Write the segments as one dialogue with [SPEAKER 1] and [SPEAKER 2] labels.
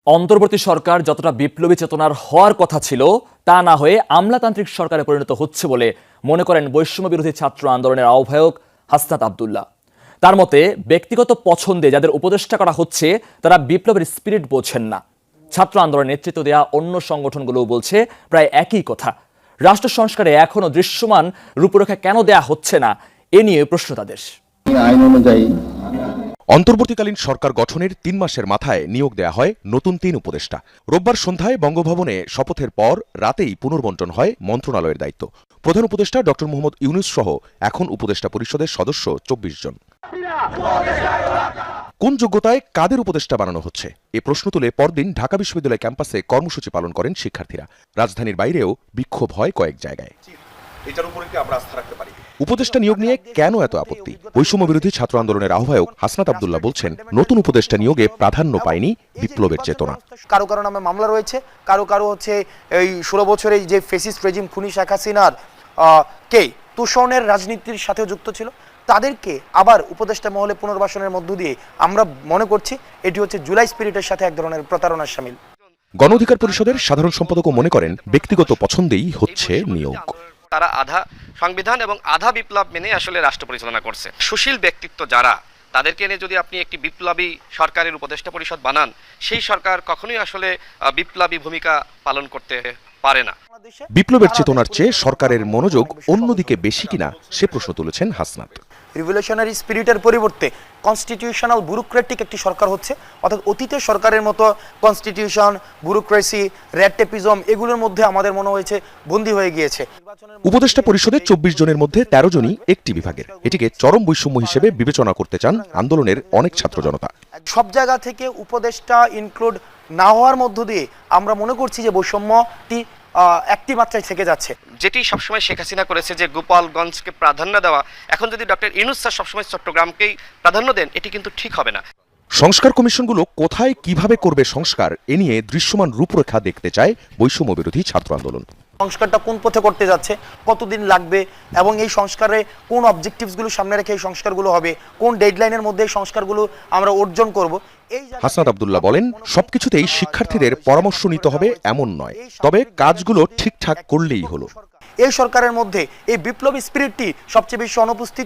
[SPEAKER 1] অন্তর্বর্তী সরকার যতটা বিপ্লবী চেতনার হওয়ার কথা ছিল তা না হয়ে আমলাতান্ত্রিক সরকারে পরিণত হচ্ছে বলে মনে করেন বৈষম্য বিরোধী ছাত্র আন্দোলনের আহ্বায়ক হাসনাত আব্দুল্লাহ। তার মতে ব্যক্তিগত পছন্দে যাদের উপদেষ্টা করা হচ্ছে তারা বিপ্লবের স্পিরিট বোঝেন না। ছাত্র আন্দোলনের নেতৃত্ব দেওয়া অন্য সংগঠনগুলোও বলছে প্রায় একই কথা। রাষ্ট্র সংস্কারে এখনো দৃশ্যমান রূপরেখা কেন দেয়া হচ্ছে না, এ নিয়ে প্রশ্ন তাদের।
[SPEAKER 2] আইন অনুযায়ী
[SPEAKER 3] অন্তর্বর্তীকালীন সরকার গঠনের ৩ মাসের মাথায় নিয়োগ দেয়া হয় নতুন ৩ উপদেষ্টা। রোববার সন্ধ্যায় বঙ্গভবনে শপথের পর রাতেই পুনর্বণ্টন হয় মন্ত্রণালয়ের দায়িত্ব। প্রধান উপদেষ্টা ড. মোহাম্মদ ইউনূস সহ এখন উপদেষ্টা পরিষদের সদস্য ২৪ জন। কোন যোগ্যতায় কাদের উপদেষ্টা বানানো হচ্ছে এ প্রশ্ন তুলে পরদিন ঢাকা বিশ্ববিদ্যালয় ক্যাম্পাসে কর্মসূচি পালন করেন শিক্ষার্থীরা। রাজধানীর বাইরেও বিক্ষোভ হয় কয়েক জায়গায়। উপদেষ্টা নিয়োগ নিয়ে কেন এত আপত্তি? বৈষম্য বিরোধী ছাত্র আন্দোলনের আহ্বায়ক হাসনাত আব্দুল্লাহ বলছেন, নতুন উপদেষ্টা নিয়োগে প্রাধান্য পায়নি বিপ্লবের চেতনা।
[SPEAKER 4] কারো কারো নামে মামলা রয়েছে, কারো কারো হচ্ছে এই 16 বছরে যে ফেসিস্ট রেজিম খুনি শেখ হাসিনার কে তোষণের রাজনীতির সাথে যুক্ত ছিল, তাদেরকে আবার উপদেষ্টা মহলে পুনর্বাসনের মধ্য দিয়ে আমরা মনে করছি এটি হচ্ছে জুলাই স্পিরিটের সাথে এক ধরনের প্রতারণার শামিল।
[SPEAKER 3] গণ অধিকার পরিষদের সাধারণ সম্পাদকও মনে করেন ব্যক্তিগত পছন্দেই হচ্ছে নিয়োগ।
[SPEAKER 5] তারা আধা সংবিধান এবং আধা বিপ্লব মেনে আসলে রাষ্ট্র পরিচালনা করছে। সুশীল ব্যক্তিত্ব যারা, তাদেরকে এনে যদি আপনি একটি বিপ্লবী সরকারের উপদেষ্টা পরিষদ বানান, সেই সরকার কখনোই আসলে বিপ্লবী ভূমিকা পালন করতে পারে না।
[SPEAKER 3] বিপ্লবের চেতনার চেয়ে সরকারের মনোযোগ অন্যদিকে বেশি কিনা সে প্রশ্ন তুলেছেন হাসনাত।
[SPEAKER 4] রিভলিউশনারি স্পিরিটের পরিবর্তে কনস্টিটিউশনাল ব্যুরোক্রেটিক একটি সরকার হচ্ছে, অর্থাৎ অতীতের সরকারের মতো কনস্টিটিউশন, ব্যুরোক্রেসি, রেড টেপিজম এগুলোর মধ্যে আমাদের মনে হয়েছে বন্দী হয়ে গিয়েছে।
[SPEAKER 3] উপদেষ্টা পরিষদে ২৪ জনের মধ্যে ১৩ জনই একটি বিভাগের। এটিকে চরম বৈষম্য হিসেবে বিবেচনা করতে চান আন্দোলনের অনেক ছাত্র জনতা।
[SPEAKER 4] সব জায়গা থেকে উপদেষ্টা ইনক্লুড না হওয়ার মধ্য দিয়ে আমরা মনে করছি যে বৈষম্যটি একটি মাত্রায় থেকে যাচ্ছে।
[SPEAKER 5] যেটি সবসময় শেখ হাসিনা করেছে যে গোপালগঞ্জকে প্রাধান্য দেওয়া, এখন যদি ডক্টর ইউনূস স্যার সবসময় চট্টগ্রামকেই প্রাধান্য দেন, এটি কিন্তু ঠিক হবে না।
[SPEAKER 3] সংস্কার কমিশনগুলো কোথায় কিভাবে করবে সংস্কার, এ নিয়ে দৃশ্যমান রূপরেখা দেখতে চায় বৈষম্য বিরোধী ছাত্র আন্দোলন।
[SPEAKER 4] সংস্কারটা কোন পথে করতে যাচ্ছে, কতদিন লাগবে এবং এই সংস্কারে কোন অবজেক্টিভসগুলো সামনে রেখে এই সংস্কারগুলো হবে, কোন ডেডলাইনের মধ্যে এই সংস্কারগুলো আমরা অর্জন করব।
[SPEAKER 3] হাসনাত আব্দুল্লাহ বলেন, সবকিছুতেই শিক্ষার্থীদের পরামর্শ নিতে হবে এমন নয়, তবে কাজগুলো ঠিকঠাক করলেই হলো।
[SPEAKER 4] এই সরকারের মধ্যে এই বিপ্লবী স্পিরিটটি সবচেয়ে বেশি অনুপস্থিত।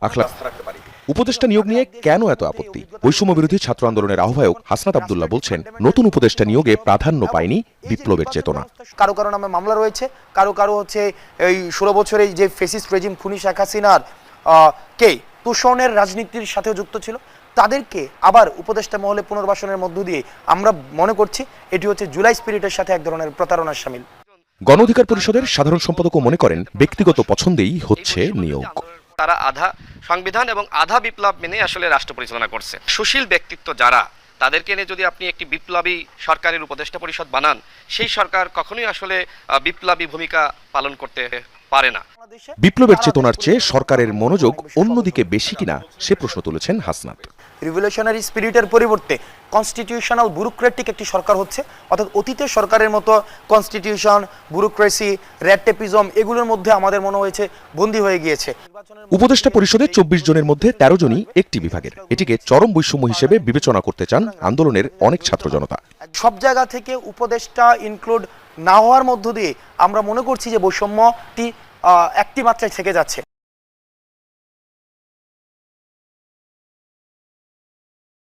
[SPEAKER 3] উপদেষ্টা নিয়োগ নিয়ে কেন এত আপত্তি? বৈষম্য বিরোধী ছাত্র আন্দোলনের আহ্বায়ক হাসনাত আব্দুল্লাহ বলছেন, নতুন উপদেষ্টা নিয়োগে প্রাধান্য পায়নি বিপ্লবের চেতনা।
[SPEAKER 4] কারো কারো নামে মামলা রয়েছে, কারো কারো হচ্ছে এই 16 বছরে যে ফেসিস্ট রেজিম খুনি শেখ হাসিনার কে তোষণের রাজনীতির সাথে যুক্ত ছিল, তাদেরকে আবার উপদেষ্টা মহলে পুনর্বাসনের মধ্য দিয়ে আমরা মনে করছি এটি হচ্ছে জুলাই স্পিরিটের সাথে এক ধরনের প্রতারণার শামিল।
[SPEAKER 3] গণ অধিকার পরিষদের সাধারণ সম্পাদকও মনে করেন ব্যক্তিগত পছন্দেই হচ্ছে নিয়োগ।
[SPEAKER 5] তারা আধা সংবিধান এবং আধা বিপ্লব মেনে আসলে রাষ্ট্র পরিচালনা করছে। সুশীল ব্যক্তিত্ব যারা, তাদেরকে এনে যদি আপনি একটি বিপ্লবী সরকারের উপদেষ্টা পরিষদ বানান, সেই সরকার কখনোই আসলে বিপ্লবী ভূমিকা পালন করতে পারে না।
[SPEAKER 3] বিপ্লবের চেতনার চেয়ে সরকারের মনোযোগ অন্যদিকে বেশি কিনা সে প্রশ্ন তুলেছেন হাসনাত।
[SPEAKER 4] রিভলিউশনারি স্পিরিটের পরিবর্তে কনস্টিটিউশনাল ব্যুরোক্রেটিক একটি সরকার হচ্ছে, অর্থাৎ অতীতের সরকারের মতো কনস্টিটিউশন, ব্যুরোক্রেসি, রেড টেপিজম এগুলোর মধ্যে আমাদের মনে হয়েছে বন্দী হয়ে গিয়েছে।
[SPEAKER 3] উপদেষ্টা পরিষদে ২৪ জনের মধ্যে ১৩ জনই একটি বিভাগের। এটিকে চরম বৈষম্য হিসেবে বিবেচনা করতে চান আন্দোলনের অনেক ছাত্র জনতা।
[SPEAKER 4] সব জায়গা থেকে উপদেষ্টা ইনক্লুড না হওয়ার মধ্য দিয়ে আমরা মনে করছি যে বৈষম্যটি একটি মাত্রায় থেকে যাচ্ছে।